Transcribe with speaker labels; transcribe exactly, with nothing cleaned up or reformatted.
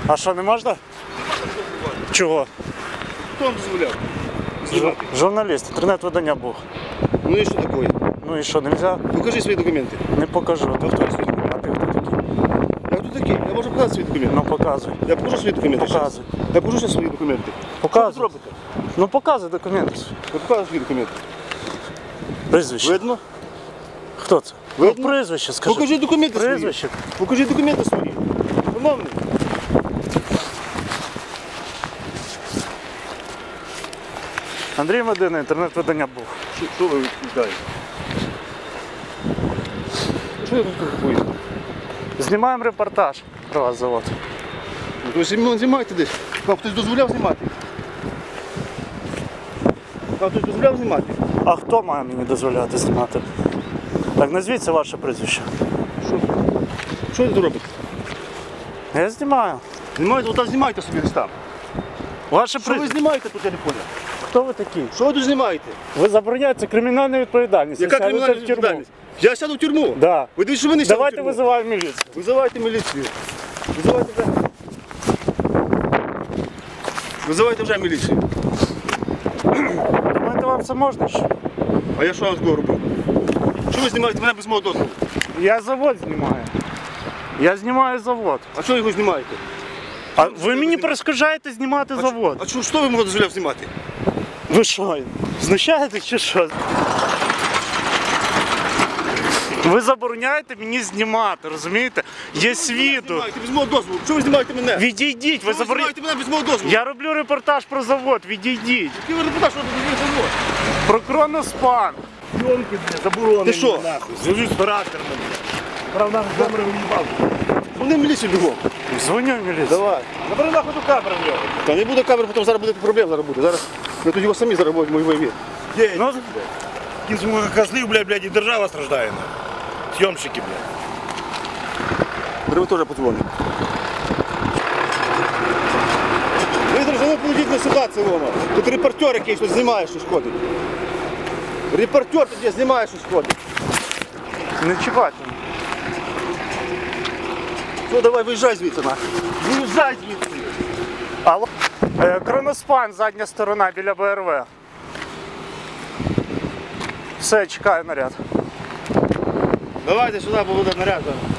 Speaker 1: А що, не можна? Чого?
Speaker 2: Хто вам дозволяв? Знімати.
Speaker 1: Журналіст, інтернет-видання був.
Speaker 2: Ну і що таке?
Speaker 1: Ну і що, не можна?
Speaker 2: Покажи свої документи.
Speaker 1: Не покажу. Ти хто? А ти хто такий?
Speaker 2: Я хто такий? Я можу показати свої документи.
Speaker 1: Ну показуй.
Speaker 2: Я покажу свої документи.
Speaker 1: Показуй.
Speaker 2: щас. Я покажу ще свої документи.
Speaker 1: Показуй.
Speaker 2: Що ви робите?
Speaker 1: Ну показуй документи.
Speaker 2: Я покажу свої документи.
Speaker 1: Прізвище.
Speaker 2: Видно?
Speaker 1: Хто це?
Speaker 2: Видно?
Speaker 1: Ну прізвище скажи.
Speaker 2: Покажи документи свої.
Speaker 1: Прізвище.
Speaker 2: Покажи документи свої. Шановний.
Speaker 1: Андрій Медина, інтернет-видання був.
Speaker 2: Що, що ви відповідаєте? Що я тут купую?
Speaker 1: Знімаємо репортаж про вас завод.
Speaker 2: Ви ж знімаєте десь. Вам хтось дозволяв знімати? Вам хтось дозволяв знімати?
Speaker 1: А хто має мені дозволяти знімати? Так, назвіться ваше прізвище.
Speaker 2: Що? Що ви тут робите?
Speaker 1: Я знімаю.
Speaker 2: Знімаєте, отак знімайте собі десь там.
Speaker 1: Ваше
Speaker 2: Що ви
Speaker 1: прізвище.
Speaker 2: знімаєте тут, я не понял?
Speaker 1: Хто ви такі?
Speaker 2: Що ви тут знімаєте?
Speaker 1: Ви забороняєте кримінальну відповідальність.
Speaker 2: Яка
Speaker 1: Ви сядете
Speaker 2: кримінальна
Speaker 1: в тюрму.
Speaker 2: відповідальність? Я сяду в тюрму?
Speaker 1: Да.
Speaker 2: Ви дивіться, що ви не сядете в
Speaker 1: Давайте
Speaker 2: тюрму?
Speaker 1: визиваємо міліцію.
Speaker 2: Визивайте міліцію. Визивайте вже. Визивайте вже міліцію.
Speaker 1: Думаєте, вам це можна? ще?
Speaker 2: А я що вам такого робив? Що ви знімаєте мене без мого дозволу?
Speaker 1: Я завод знімаю. Я знімаю завод.
Speaker 2: А що ви його знімаєте?
Speaker 1: А
Speaker 2: Що
Speaker 1: ви
Speaker 2: ви
Speaker 1: мені
Speaker 2: знімаєте?
Speaker 1: перешкоджаєте знімати
Speaker 2: А
Speaker 1: завод.
Speaker 2: що, а що, що ви мого дозволяв знімати?
Speaker 1: Ви що, знущаєтесь чи що? Ви забороняєте мені знімати, розумієте? Є свідок.
Speaker 2: Знімаєте без мого дозволу. Що ви знімаєте мене?
Speaker 1: Відійдіть, ви
Speaker 2: Що ви
Speaker 1: забороняєте.
Speaker 2: знімаєте мене без мого дозволу?
Speaker 1: Я роблю репортаж про завод, відійдіть.
Speaker 2: Який ви репортаж робите без завод?
Speaker 1: Про Кроноспан.
Speaker 3: Пленки, блядь, заборонені.
Speaker 2: Ти що?
Speaker 3: Нахуй. Зв'яжусь з характером, блядь. Правда, камери уїбав.
Speaker 2: Вони в міліцію бігом.
Speaker 1: Дзвоню в міліцію.
Speaker 2: Давай.
Speaker 3: Забери нахуй ту камеру в нього.
Speaker 2: Та не буде камери, потім зараз буде проблем зараз буде. Зараз ми тут його самі зараз будемо його вивід.
Speaker 3: Є,
Speaker 1: Ну,
Speaker 3: кінцю козлів, блядь, блядь, і держава страждає, нахуй. Зйомщики, блядь.
Speaker 2: Треба теж подзвонити. Ви, друзі, ну поведіть на ситуацію, Рома. Тут репортер якийсь тут знімає, що шкодить. Репортер тут є, знімає, що шкодить.
Speaker 1: не чіпайте.
Speaker 2: Що, давай, виїжджай звідси, нахуй. Виїжджай звідси.
Speaker 1: Алло. Е, Кроноспан, задня сторона біля Б Р В. Все, чекаю наряд.
Speaker 2: Давайте сюди, бо буде наряд.